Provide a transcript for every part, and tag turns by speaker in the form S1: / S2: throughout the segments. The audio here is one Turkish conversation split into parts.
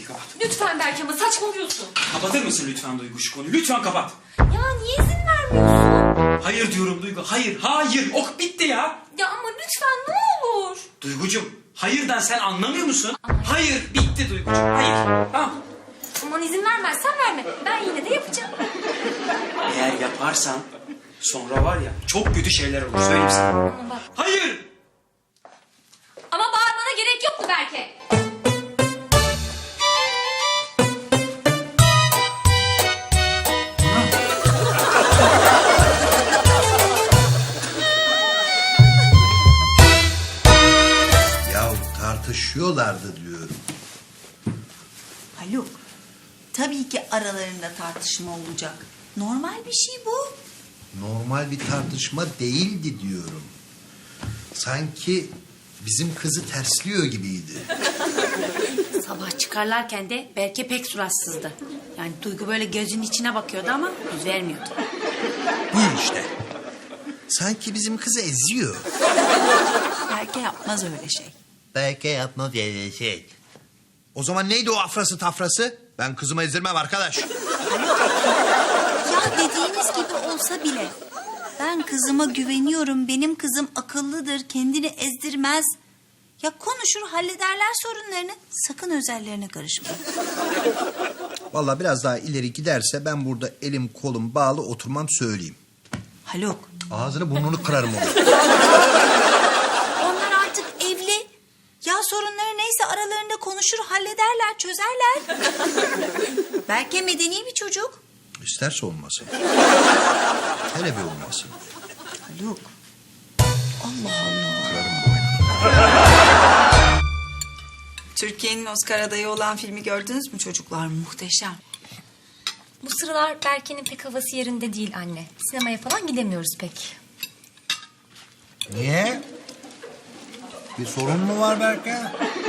S1: kapat.
S2: Lütfen Berke ama saçmalıyorsun.
S1: Kapatır mısın lütfen Duygu şu konuyu? Lütfen kapat.
S2: Ya niye izin vermiyorsun?
S1: Hayır diyorum Duygu. Hayır, hayır. Ok bitti ya.
S2: Ya ama lütfen ne olur.
S1: Duygucuğum, hayırdan sen anlamıyor musun? Hayır, bitti Duygucuğum. Hayır. Tamam.
S2: Aman izin vermezsen verme. Ben yine de yapacağım.
S1: Eğer yaparsan sonra var ya çok kötü şeyler olur. Söyleyeyim sana.
S2: Ama bak.
S1: Hayır.
S2: Ama bağırmana gerek yoktu Berke.
S3: Ya tartışıyorlardı diyorum.
S4: Haluk, tabii ki aralarında tartışma olacak. Normal bir şey bu.
S3: Normal bir tartışma değildi diyorum. Sanki bizim kızı tersliyor gibiydi.
S5: Sabah çıkarlarken de Berke pek suratsızdı. Yani Duygu böyle gözünün içine bakıyordu ama yüz vermiyordu.
S3: Buyur işte. Sanki bizim kızı eziyor.
S4: Berke yapmaz öyle şey.
S3: Belki yapmaz öyle şey. O zaman neydi o afrası tafrası? Ben kızımı ezdirmem arkadaş.
S4: Ya dediğiniz gibi olsa bile ben kızıma güveniyorum. Benim kızım akıllıdır, kendini ezdirmez. Ya konuşur, hallederler sorunlarını. Sakın özellerine karışma.
S3: Vallahi biraz daha ileri giderse ben burada elim kolum bağlı oturmam söyleyeyim.
S4: Haluk,
S3: Ağzını burnunu kırarım onu.
S4: onlar artık evli. Ya sorunları neyse aralarında konuşur, hallederler, çözerler. Berke medeni bir çocuk.
S3: İsterse olmasın. Hele bir olmasın.
S4: Haluk. Allah Allah.
S3: Kırarım boynunu.
S4: Türkiye'nin Oscar adayı olan filmi gördünüz mü çocuklar? Muhteşem.
S2: Bu sıralar Berke'nin pek havası yerinde değil anne. Sinemaya falan gidemiyoruz pek.
S3: Niye? Bir sorun mu var Berke?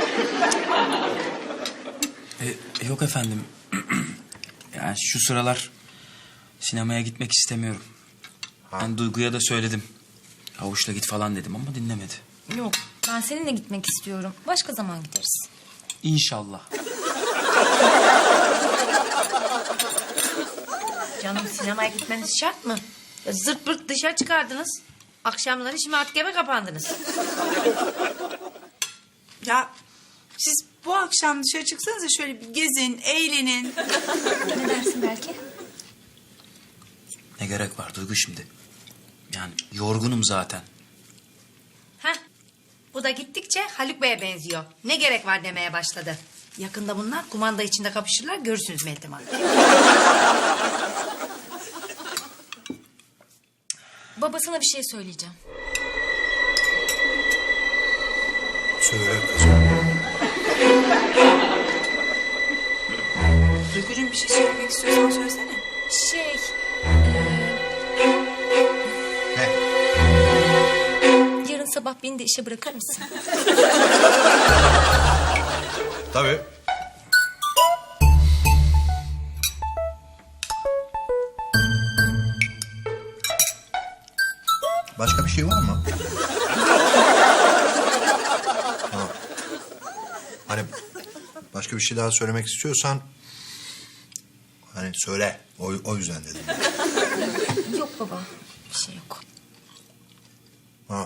S1: Yok efendim. Yani şu sıralar sinemaya gitmek istemiyorum. Ben Duygu'ya da söyledim. Havuçla git falan dedim ama dinlemedi.
S2: Yok ben seninle gitmek istiyorum. Başka zaman gideriz.
S1: İnşallah.
S5: Canım sinemaya gitmeniz şart mı? Ya zırt pırt dışarı çıkardınız. Akşamları şimdi artık eve kapandınız.
S4: Ya siz bu akşam dışarı çıksanıza şöyle bir gezin, eğlenin.
S2: Ne dersin Berke?
S1: Ne gerek var Duygu şimdi? Yani yorgunum zaten.
S5: Heh. Bu da gittikçe Haluk Bey'e benziyor. Ne gerek var demeye başladı. Yakında bunlar kumanda içinde kapışırlar. Görürsünüz Meltem Hanım.
S2: Babasına bir şey söyleyeceğim.
S3: Söyle kızım.
S4: Duygucuğum bir şey söylemek istiyorsan söylesene.
S2: Şey...
S3: Ne?
S2: Yarın sabah beni de işe bırakır mısın?
S3: Tabii. Başka bir şey var mı? Ha. Hani başka bir şey daha söylemek istiyorsan hani söyle. O yüzden dedim.
S2: Yok baba. Bir şey yok.
S3: Ha.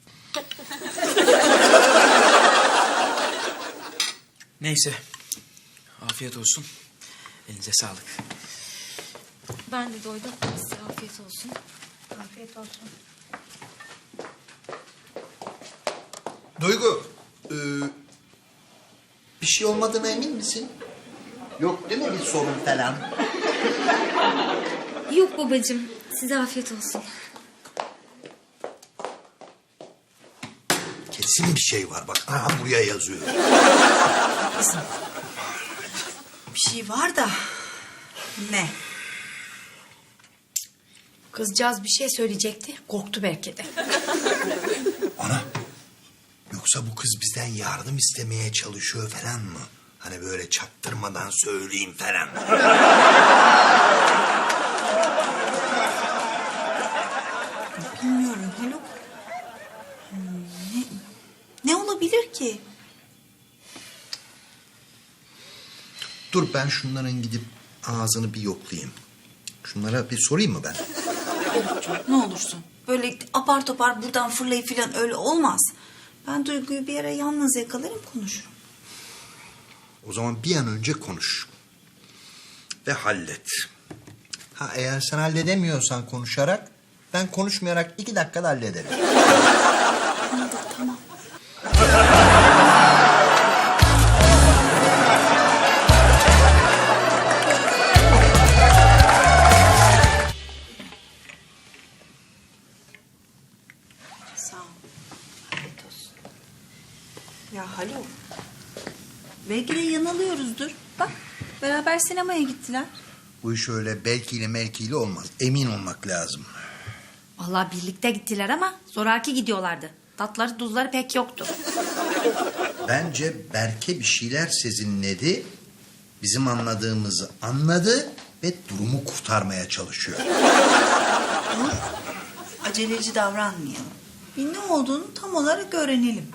S1: Neyse. Afiyet olsun. Elinize sağlık.
S2: Ben de doydum. Size afiyet olsun.
S5: Afiyet olsun.
S3: Duygu, bir şey olmadığına emin misin? Yok değil mi bir sorun falan?
S2: Yok babacığım. Size afiyet olsun.
S3: Kesin bir şey var bak. Aha buraya yazıyor.
S4: Bir şey var da ne?
S5: Kızcağız bir şey söyleyecekti. Korktu belki de.
S3: Ana, yoksa bu kız bizden yardım istemeye çalışıyor falan mı? Hani böyle çaktırmadan söyleyeyim falan.
S4: Bilmiyorum Haluk. Ne olabilir ki?
S3: Dur ben şunların gidip ağzını bir yoklayayım. Şunlara bir sorayım mı ben?
S4: Ne olursun. Böyle apar topar buradan fırlayıp falan öyle olmaz. Ben Duygu'yu bir ara yalnız yakalarım konuşurum.
S3: O zaman bir an önce konuş. Ve hallet. Ha eğer sen halledemiyorsan konuşarak, ben konuşmayarak 2 dakikada hallederim.
S4: Tamam. Sağ ol. Afiyet olsun. Ya Haluk. Belki de yanılıyoruzdur. Bak beraber sinemaya gittiler.
S3: Bu iş öyle belkiyle melkiyle olmaz. Emin olmak lazım.
S5: Vallahi birlikte gittiler ama zoraki gidiyorlardı. Tatları tuzları pek yoktu.
S3: Bence Berke bir şeyler sezinledi. Bizim anladığımızı anladı ve durumu kurtarmaya çalışıyor.
S4: Aceleci davranmayalım. Bir ne olduğunu tam olarak öğrenelim.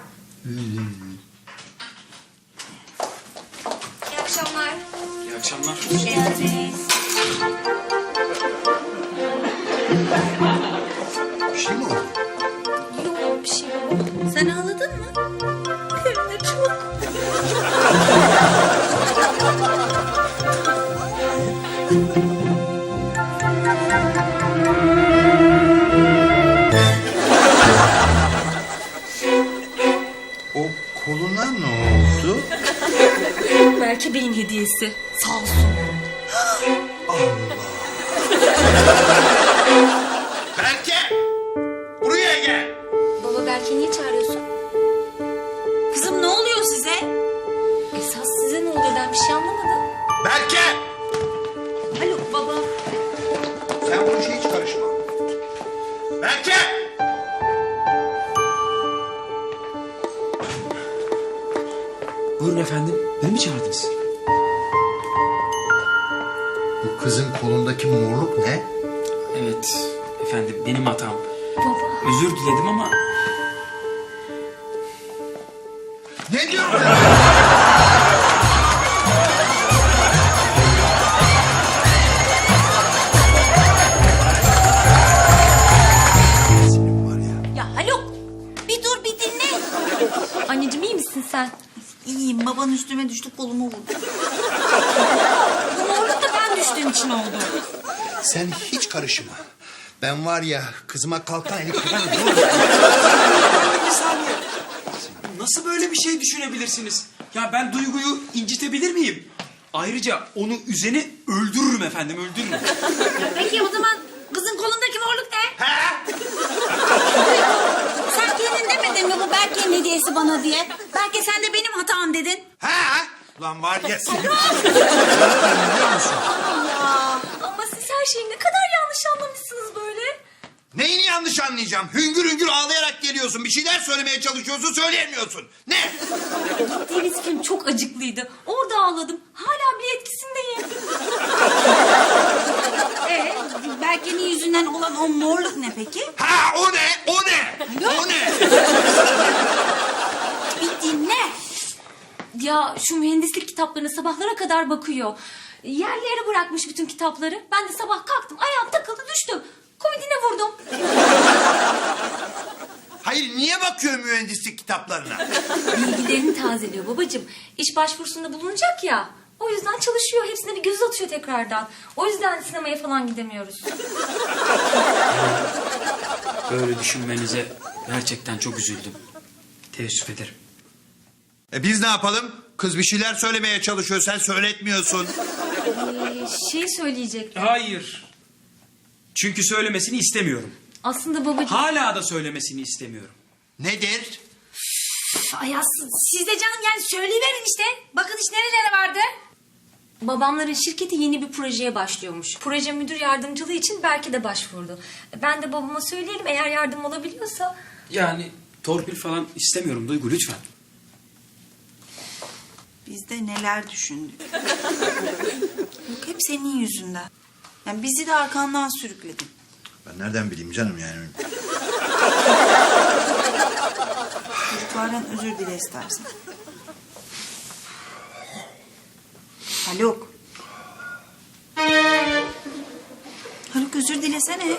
S2: İyi akşamlar.
S1: İyi akşamlar.
S2: Geldiniz.
S3: Bir şey mi oldu?
S2: Yok bir şey yok.
S4: Sen ağladın mı? Hem de çok.
S3: O koluna ne oldu?
S2: Belki Bey'in hediyesi. Sağ olsun.
S3: Berke! Buraya gel!
S2: Baba Berke'yi niye çağırıyorsun?
S4: Kızım ne oluyor size?
S2: Esas size ne oluyor, ben bir şey anlamadım.
S3: Berke!
S4: Haluk baba.
S3: Sen bu işe hiç karışma. Berke!
S1: Buyurun efendim. Beni mi çağırdınız?
S3: Bu kızın kolundaki morluk ne?
S1: Evet efendim, benim hatam.
S2: Baba.
S1: Özür diledim ama
S3: Ne diyorsun sen? Senin var ya.
S4: Ya Haluk bir dur bir dinle.
S2: Anneciğim iyi misin sen?
S4: İyiyim baban üstüme düştü kolumu vurdu. Bu morluk da ben düştüğüm için oldu.
S3: Sen hiç karışma. Ben var ya kızıma kalkan eli kırarım.
S1: bir saniye. Nasıl böyle bir şey düşünebilirsiniz? Ya ben Duygu'yu incitebilir miyim? Ayrıca onu üzeni öldürürüm efendim, öldürürüm.
S5: Peki o zaman kızın kolundaki morluk ne?
S4: Sen kendin demedin mi bu Berke'nin hediyesi bana diye? Belki sen de benim hatam dedin.
S3: Ha? Lan var ya senin.
S2: Ama siz her şeyi ne kadar yanlış anlamışsınız böyle.
S3: Neyini yanlış anlayacağım? Hüngür hüngür ağlayarak geliyorsun. Bir şeyler söylemeye çalışıyorsun, söyleyemiyorsun. Ne?
S2: Gittiğiniz film çok acıklıydı. Orada ağladım. Hala bile etkisindeyim.
S4: Berke'nin yüzünden olan o morluk ne peki?
S3: Ha o ne? O ne? O ne?
S4: Bir dinle.
S2: Ya şu mühendislik kitaplarına sabahlara kadar bakıyor. Yerlere bırakmış bütün kitapları. Ben de sabah kalktım, ayağım takıldı, düştüm. Komodine vurdum.
S3: Hayır niye bakıyor mühendislik kitaplarına?
S2: Bilgilerini tazeliyor babacığım. İş başvurusunda bulunacak ya. O yüzden çalışıyor. Hepsine bir göz atıyor tekrardan. O yüzden sinemaya falan gidemiyoruz.
S1: Böyle düşünmenize gerçekten çok üzüldüm. Teessüf ederim.
S3: Biz ne yapalım? Kız bir şeyler söylemeye çalışıyor, sen söyletmiyorsun.
S2: Şey söyleyecektim.
S1: Hayır. Çünkü söylemesini istemiyorum.
S2: Aslında babacığım...
S1: Hala da söylemesini istemiyorum.
S3: Nedir?
S5: Ay siz de canım yani söyleyiverin işte. Bakın iş nerelere vardı.
S2: Babamların şirketi yeni bir projeye başlıyormuş. Proje müdür yardımcılığı için Berke de başvurdu. Ben de babama söyleyelim, eğer yardım olabiliyorsa...
S1: Yani torpil falan istemiyorum Duygu, lütfen.
S4: Biz de neler düşündük. Yok hep senin yüzünden. Yani bizi de arkandan sürükledin.
S3: Ben nereden bileyim canım yani?
S4: Çocuklardan özür dile istersen. Haluk. Haluk özür dilesene.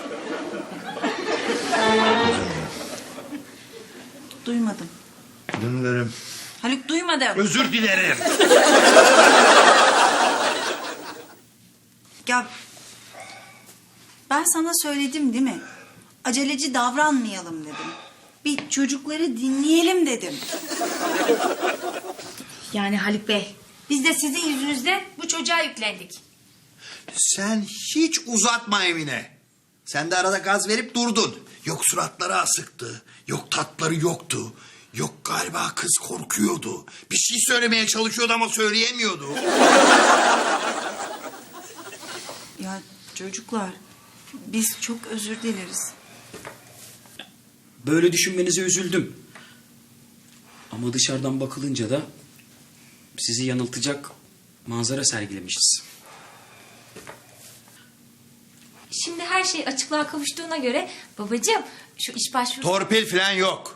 S4: Duymadım.
S3: Dinlerim.
S4: Haluk duymadım.
S3: Özür dilerim.
S4: Ya ben sana söyledim değil mi? Aceleci davranmayalım dedim. Bir çocukları dinleyelim dedim.
S5: Yani Haluk Bey, biz de sizin yüzünüzden bu çocuğa yüklendik.
S3: Sen hiç uzatma Emine. Sen de arada gaz verip durdun. Yok suratları asıktı. Yok tatları yoktu. Yok galiba kız korkuyordu. Bir şey söylemeye çalışıyordu ama söyleyemiyordu.
S4: Ya çocuklar biz çok özür dileriz.
S1: Böyle düşünmenize üzüldüm. Ama dışarıdan bakılınca da sizi yanıltacak manzara sergilemişiz.
S2: Şimdi her şey açıklığa kavuştuğuna göre babacığım şu iş başvurusu...
S3: Torpil falan yok.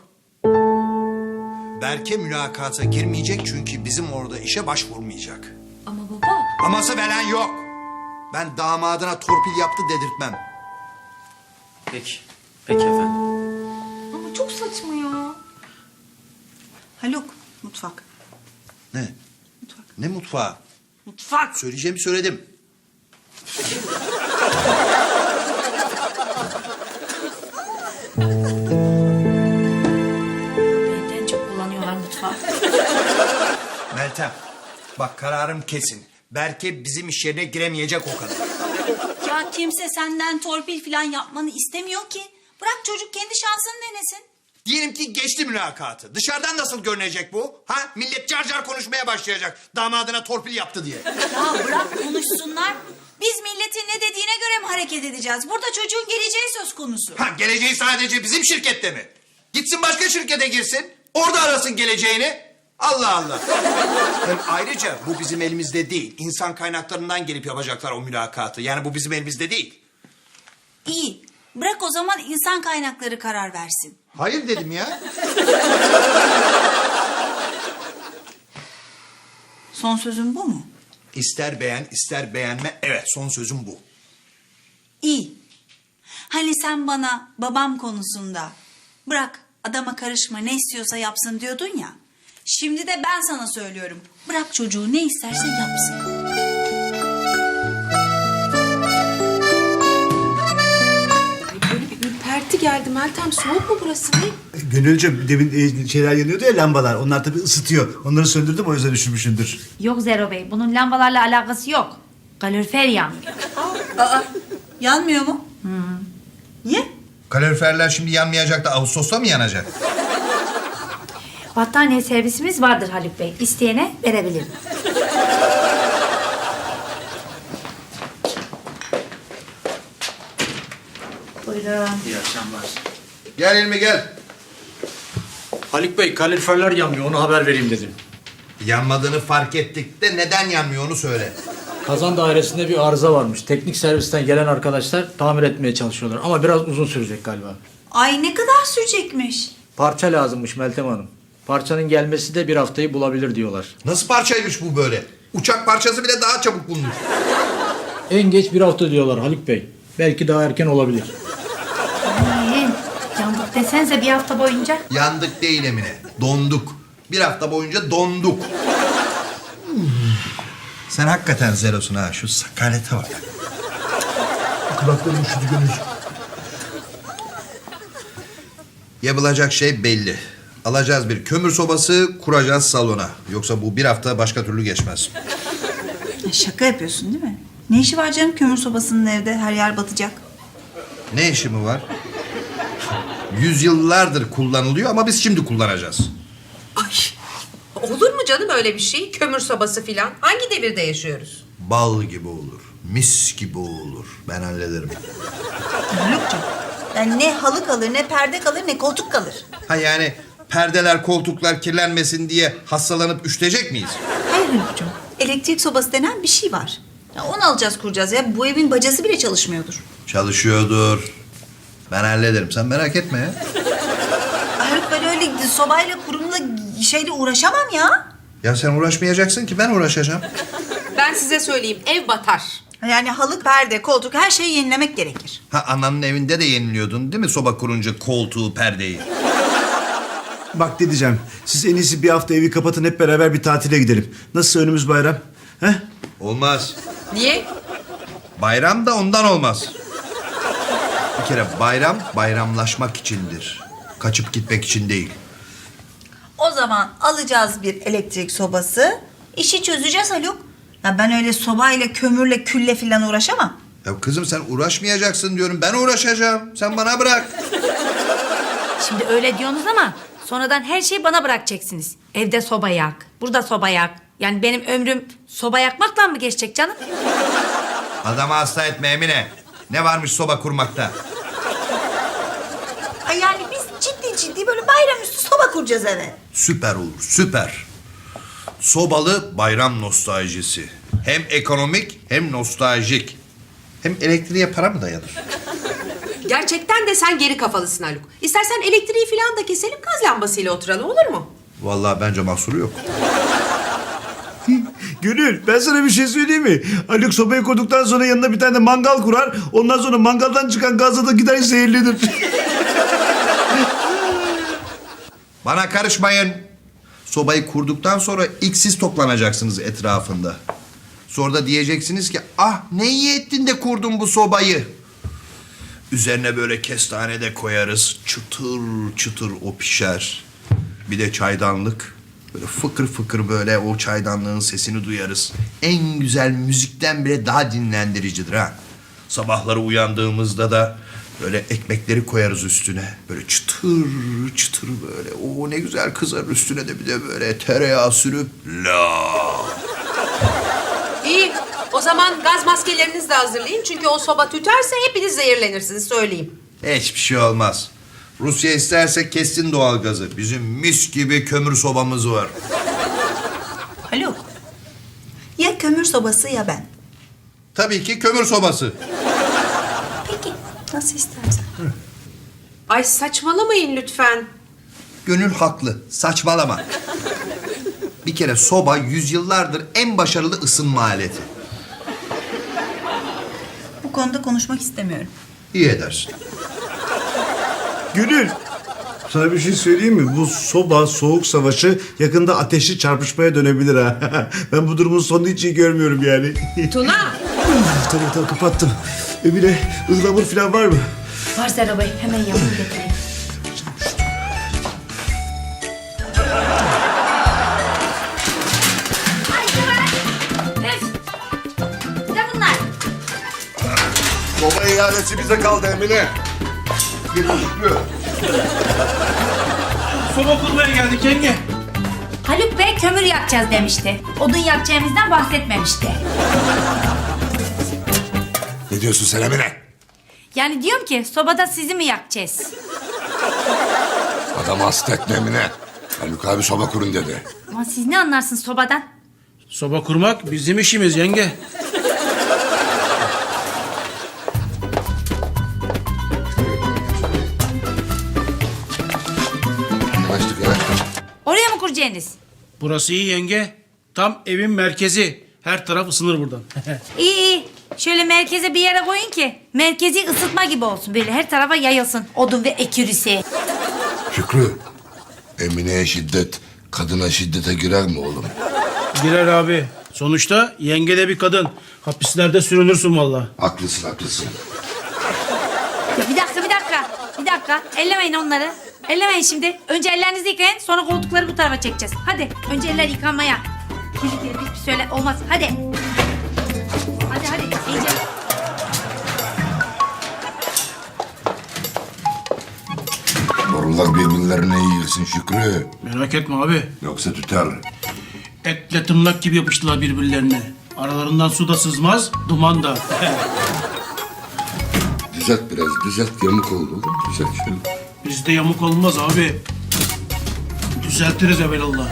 S3: Berke mülakata girmeyecek çünkü bizim orada işe başvurmayacak.
S2: Ama baba
S3: Aması falan yok. Ben damadına torpil yaptı dedirtmem.
S1: Peki. Peki efendim.
S2: ama çok saçma ya.
S4: Haluk mutfak.
S3: Ne?
S4: Mutfak.
S3: Ne mutfağı?
S4: Mutfak.
S3: Söyleyeceğimi söyledim.
S5: Benden çok kullanıyorlar mutfağı.
S3: Meltem, bak kararım kesin. Berke bizim iş yerine giremeyecek o kadar.
S4: Ya kimse senden torpil falan yapmanı istemiyor ki. Bırak çocuk kendi şansını denesin.
S3: Diyelim ki geçti mülakatı. Dışarıdan nasıl görünecek bu? Ha? Millet car car konuşmaya başlayacak. Damadına torpil yaptı diye.
S4: Ya bırak konuşsunlar. Biz milletin ne dediğine göre mi hareket edeceğiz? Burada çocuğun geleceği söz konusu.
S3: Ha, geleceği sadece bizim şirkette mi? Gitsin başka şirkete girsin. Orada arasın geleceğini. Allah Allah. Hem ayrıca bu bizim elimizde değil. İnsan kaynaklarından gelip yapacaklar o mülakatı. Yani bu bizim elimizde değil.
S4: İyi. Bırak o zaman insan kaynakları karar versin.
S3: Hayır dedim ya.
S4: Son sözün bu mu?
S3: İster beğen ister beğenme. Evet, son sözüm bu.
S4: İyi. Hani sen bana babam konusunda bırak adama karışma ne istiyorsa yapsın diyordun ya. Şimdi de ben sana söylüyorum. Bırak çocuğu ne isterse yapsın.
S6: Böyle bir ürperti geldi Meltem. Soğuk mu burası ne?
S7: Gönülcüm demin şeyler yanıyordu ya lambalar. Onlar tabii ısıtıyor. Onları söndürdüm o yüzden üşümüşsündür.
S5: Yok Zero Bey, bunun lambalarla alakası yok. Kalorifer yanmıyor.
S4: Aa, yanmıyor mu? Niye?
S3: Kaloriferler şimdi yanmayacak da Ağustos'ta mı yanacak?
S5: Battaniye servisimiz vardır Haluk Bey. İsteyene verebilirim. Buyurun.
S1: İyi akşamlar.
S3: Gel Hilmi gel.
S8: Haluk Bey kaloriferler yanmıyor onu haber vereyim dedim.
S3: Yanmadığını fark ettik de neden yanmıyor onu söyle.
S8: Kazan dairesinde bir arıza varmış. Teknik servisten gelen arkadaşlar tamir etmeye çalışıyorlar ama biraz uzun sürecek galiba.
S4: Ay ne kadar sürecekmiş.
S8: Parça lazımmış Meltem Hanım. Parçanın gelmesi de bir haftayı bulabilir diyorlar.
S3: Nasıl parçaymış bu böyle? Uçak parçası bile daha çabuk bulunur.
S8: En geç bir hafta diyorlar Haluk Bey. Belki daha erken olabilir.
S5: Yandık desenize bir hafta boyunca.
S3: Yandık değil Emine. Donduk. Bir hafta boyunca donduk. Sen hakikaten zerosun ha. Şu sakalete bak.
S7: Kulaklarım üşüdü Gönül.
S3: Yapılacak şey belli. Alacağız bir kömür sobası, kuracağız salona. Yoksa bu bir hafta başka türlü geçmez.
S4: Ya şaka yapıyorsun değil mi? Ne işi var canım kömür sobasının evde her yer batacak.
S3: Ne işi mi var? Yüzyıllardır kullanılıyor ama biz şimdi kullanacağız.
S6: Ay, olur mu canım öyle bir şey? Kömür sobası filan. Hangi devirde yaşıyoruz?
S3: Bal gibi olur. Mis gibi olur. Ben hallederim.
S4: Haluk'cum yani ne halı kalır ne perde kalır ne koltuk kalır.
S3: Ha yani perdeler, koltuklar kirlenmesin diye hastalanıp üşütecek miyiz?
S4: Hayır Haluk'cum elektrik sobası denen bir şey var. Ya onu alacağız kuracağız ya bu evin bacası bile çalışmıyordur.
S3: Çalışıyordur. Ben hallederim. Sen merak etme ya.
S4: Haluk ben öyle sobayla kurumla şeyle uğraşamam ya.
S3: Ya sen uğraşmayacaksın ki ben uğraşacağım.
S6: Ben size söyleyeyim, ev batar.
S4: Yani halı, perde, koltuk her şeyi yenilemek gerekir.
S3: Ha, ananın evinde de yeniliyordun değil mi soba kurunca koltuğu, perdeyi?
S7: Bak ne diyeceğim. Siz en iyisi bir hafta evi kapatın, hep beraber bir tatile gidelim. Nasıl önümüz bayram? He?
S3: Olmaz.
S6: Niye?
S3: Bayram da ondan olmaz. Bir kere bayram bayramlaşmak içindir. Kaçıp gitmek için değil.
S4: O zaman alacağız bir elektrik sobası. İşi çözeceğiz Haluk. Ya ben öyle sobayla, kömürle, külle falan uğraşamam.
S3: Ya kızım sen uğraşmayacaksın diyorum. Ben uğraşacağım. Sen bana bırak.
S5: Şimdi öyle diyorsunuz ama sonradan her şeyi bana bırakacaksınız. Evde soba yak, burada soba yak. Yani benim ömrüm soba yakmakla mı geçecek canım?
S3: Adamı hasta etme Emine. Ne varmış soba kurmakta?
S4: Ay yani biz ciddi böyle bayramüstü soba kuracağız eve.
S3: Süper olur, süper. Sobalı bayram nostaljisi. Hem ekonomik hem nostaljik. Hem elektriğe para mı dayanır?
S6: Gerçekten de sen geri kafalısın Haluk. İstersen elektriği falan da keselim, gaz lambasıyla oturalım, olur mu?
S3: Vallahi bence mahsuru yok.
S7: Gönül, ben sana bir şey söyleyeyim mi? Haluk sobayı kurduktan sonra yanına bir tane de mangal kurar. Ondan sonra mangaldan çıkan gazla da gider zehirlenir.
S3: Bana karışmayın. Sobayı kurduktan sonra ilk siz toplanacaksınız etrafında. Sonra da diyeceksiniz ki ah ne iyi ettin de kurdun bu sobayı. Üzerine böyle kestane de koyarız. Çıtır çıtır o pişer. Bir de çaydanlık. Böyle fıkır fıkır böyle o çaydanlığın sesini duyarız. En güzel müzikten bile daha dinlendiricidir ha. Sabahları uyandığımızda da böyle ekmekleri koyarız üstüne. Böyle çıtır çıtır böyle. O ne güzel kızarır üstüne de bir de böyle tereyağı sürüp la.
S6: İyi, o zaman gaz maskelerinizi de hazırlayın. Çünkü o soba tüterse hepiniz zehirlenirsiniz, söyleyeyim.
S3: Hiçbir şey olmaz. Rusya isterse kessin doğalgazı. Bizim mis gibi kömür sobamız var.
S4: Haluk, ya kömür sobası ya ben.
S3: Tabii ki kömür sobası.
S4: Peki, nasıl istersen.
S6: Ay saçmalamayın lütfen.
S3: Gönül haklı. Saçmalama. Bir kere soba yüzyıllardır en başarılı ısınma aleti.
S4: Bu konuda konuşmak istemiyorum.
S3: İyi edersin.
S7: Gönül, sana bir şey söyleyeyim mi? Bu soba, soğuk savaşı yakında ateşli çarpışmaya dönebilir ha. Ben bu durumun sonunu hiç iyi görmüyorum yani.
S6: Tuna!
S7: Tamam kapattım. Emine, ıhlamur falan var mı?
S5: Var Zera Bey, hemen yapın getireyim.
S4: Ne bunlar?
S3: Soba ihalesi bize kaldı Emine. Gözüküyor.
S8: Soba kurmaya geldik yenge.
S5: Haluk Bey kömür yakacağız demişti. Odun yakacağımızdan bahsetmemişti.
S3: Ne diyorsun sen Emine?
S5: Yani diyorum ki sobada sizi mi yakacağız?
S9: Adamı hasta etme Emine. Haluk abi soba kurun dedi.
S5: Ama siz ne anlarsınız sobadan?
S8: Soba kurmak bizim işimiz yenge.
S9: Yanaştık yanaştık.
S5: Oraya mı kuracaksınız?
S8: Burası iyi yenge. Tam evin merkezi. Her taraf ısınır buradan.
S5: İyi. Şöyle merkeze bir yere koyun ki merkezi ısıtma gibi olsun. Böyle her tarafa yayılsın odun ve ekürisi.
S9: Şükrü. Emine'ye şiddet, kadına şiddete girer mi oğlum?
S8: Girer abi. Sonuçta yenge de bir kadın. Hapislerde sürünürsün vallahi.
S9: Haklısın haklısın.
S5: Ya bir dakika. Ellemeyin onları. Ellemeyin şimdi. Önce ellerinizi yıkayın sonra koltukları bu tarafa çekeceğiz. Hadi önce eller yıkanmaya. Kirli pis söyle olmaz. Hadi. Hadi iyice.
S9: Borular birbirlerine yiyilsin Şükrü.
S8: Merak etme abi.
S9: Yoksa tüter.
S8: Etle tırnak gibi yapıştılar birbirlerine. Aralarından su da sızmaz, duman da.
S9: Düzelt biraz düzelt yamuk oldu oğlum. Düzelt şöyle.
S8: Bizde yamuk olmaz abi. Düzeltiriz evelallah.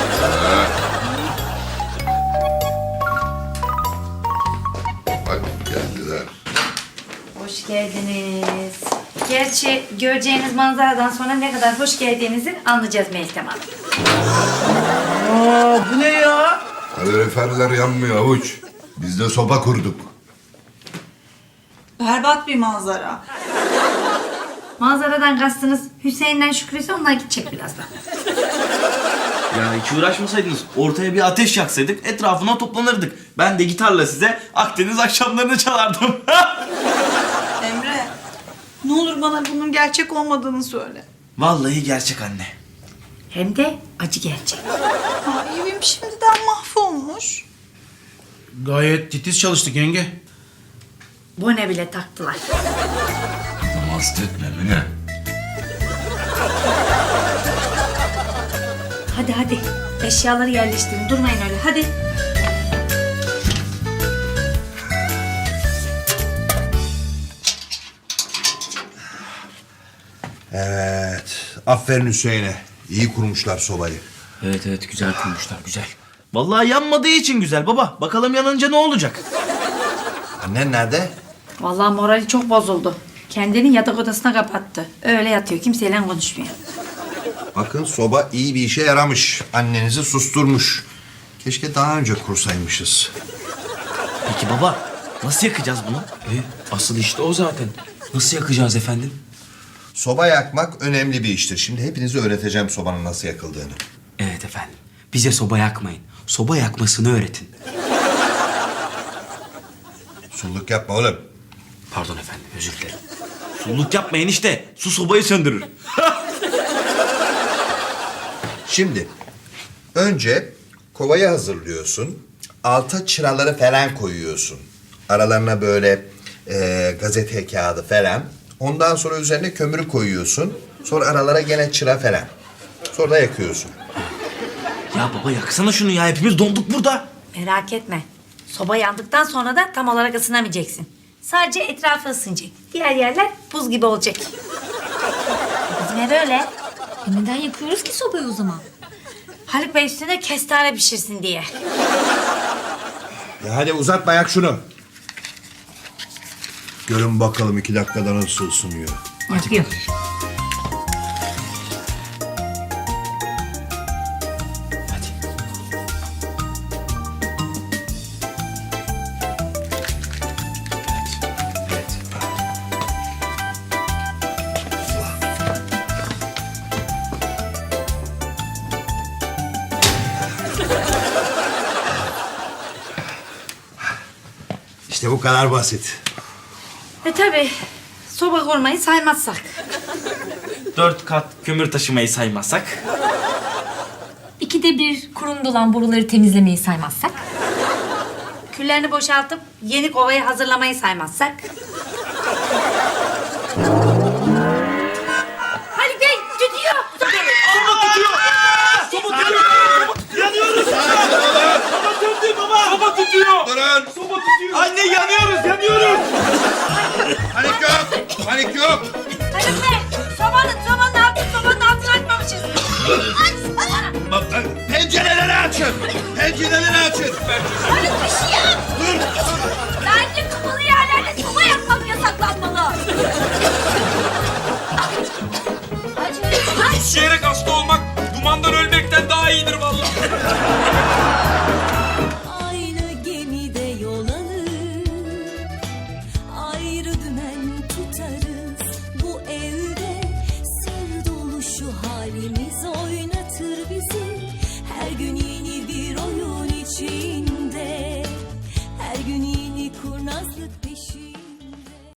S9: Bak geldiler.
S5: Hoş geldiniz. Gerçi göreceğiniz manzaradan sonra ne kadar hoş geldiğinizi anlayacağız Meltem Hanım.
S8: Aa, bu ne ya?
S9: Kaloriferler yanmıyor Havuç. Biz de soba kurduk.
S4: Berbat bir manzara.
S5: Manzaradan kastınız Hüseyin'den Şükrü'yse onlar gidecek birazdan.
S1: Ya hiç uğraşmasaydınız, ortaya bir ateş yaksaydık, etrafına toplanırdık. Ben de gitarla size Akdeniz akşamlarını çalardım.
S4: Emre, ne olur bana bunun gerçek olmadığını söyle.
S1: Vallahi gerçek anne.
S5: Hem de acı gerçek.
S4: Ay, evim şimdiden mahvolmuş.
S8: Gayet titiz çalıştık yenge.
S5: Bu ne bile taktılar.
S9: Hasta etme Emine.
S5: Hadi hadi. Eşyaları yerleştirin. Durmayın öyle. Hadi.
S3: Evet. Aferin Hüseyin'e. İyi kurmuşlar sobayı.
S1: Evet güzel kurmuşlar, güzel. Vallahi yanmadığı için güzel baba. Bakalım yanınca ne olacak?
S3: Annen nerede?
S5: Vallahi morali çok bozuldu. Kendini yatak odasına kapattı. Öyle yatıyor. Kimseyle konuşmuyor.
S3: Bakın soba iyi bir işe yaramış. Annenizi susturmuş. Keşke daha önce kursaymışız.
S1: Peki baba, nasıl yakacağız bunu? Asıl işte o zaten. Nasıl yakacağız efendim?
S3: Soba yakmak önemli bir iştir. Şimdi hepinize öğreteceğim sobanın nasıl yakıldığını.
S1: Evet efendim. Bize soba yakmayın. Soba yakmasını öğretin.
S3: Sulluk yapma oğlum.
S1: Pardon efendim, özür dilerim. Sulluk yapmayın işte. Su sobayı söndürür.
S3: Şimdi önce kovayı hazırlıyorsun. Alta çıraları falan koyuyorsun. Aralarına böyle gazete kağıdı falan. Ondan sonra üzerine kömürü koyuyorsun. Sonra aralara gene çıra falan. Sonra da yakıyorsun.
S1: Ya baba yaksana şunu ya. Hepimiz donduk burada.
S5: Merak etme. Soba yandıktan sonra da tam olarak ısınamayacaksın. Sadece etrafı ısınacak. Diğer yerler buz gibi olacak. Bizim ev öyle.
S2: Neden yakıyoruz ki sobayı o zaman?
S5: Haluk Bey üstüne kestane pişirsin diye.
S3: Ya hadi uzatma yak şunu. Görün bakalım 2 dakikada nasıl ısınıyor.
S5: Yakıyor.
S1: Hadi.
S3: Evet. İşte bu kadar basit.
S5: Tabii soba kurmayı saymazsak.
S1: 4 kat kömür taşımayı saymazsak.
S2: 2'de 1 kurumda olan boruları temizlemeyi saymazsak.
S5: Küllerini boşaltıp yeni kovayı hazırlamayı saymazsak. Haluk Bey tütüyor.
S1: Soba tutuyor.
S3: Durun.
S1: Anne yanıyoruz.
S3: Panik yok. Panik yok.
S5: Haluk Bey sobanın altını açmamışız.
S3: Pencereleri açın. Pencereleri açın.
S5: Haluk bir şey yap.
S3: Dur.
S5: Bence kapalı yerlerde soba yakmak yasaklanmalı.
S10: İşleyerek hasta olmak dumandan ölmekten daha iyidir vallahi.
S11: Aynı gemide yol alır, ayrı dümen tutarız. Bu evde sır dolu şu halimiz oynatır bizi. Her gün yeni bir oyun içinde, her gün yeni kurnazlık peşinde.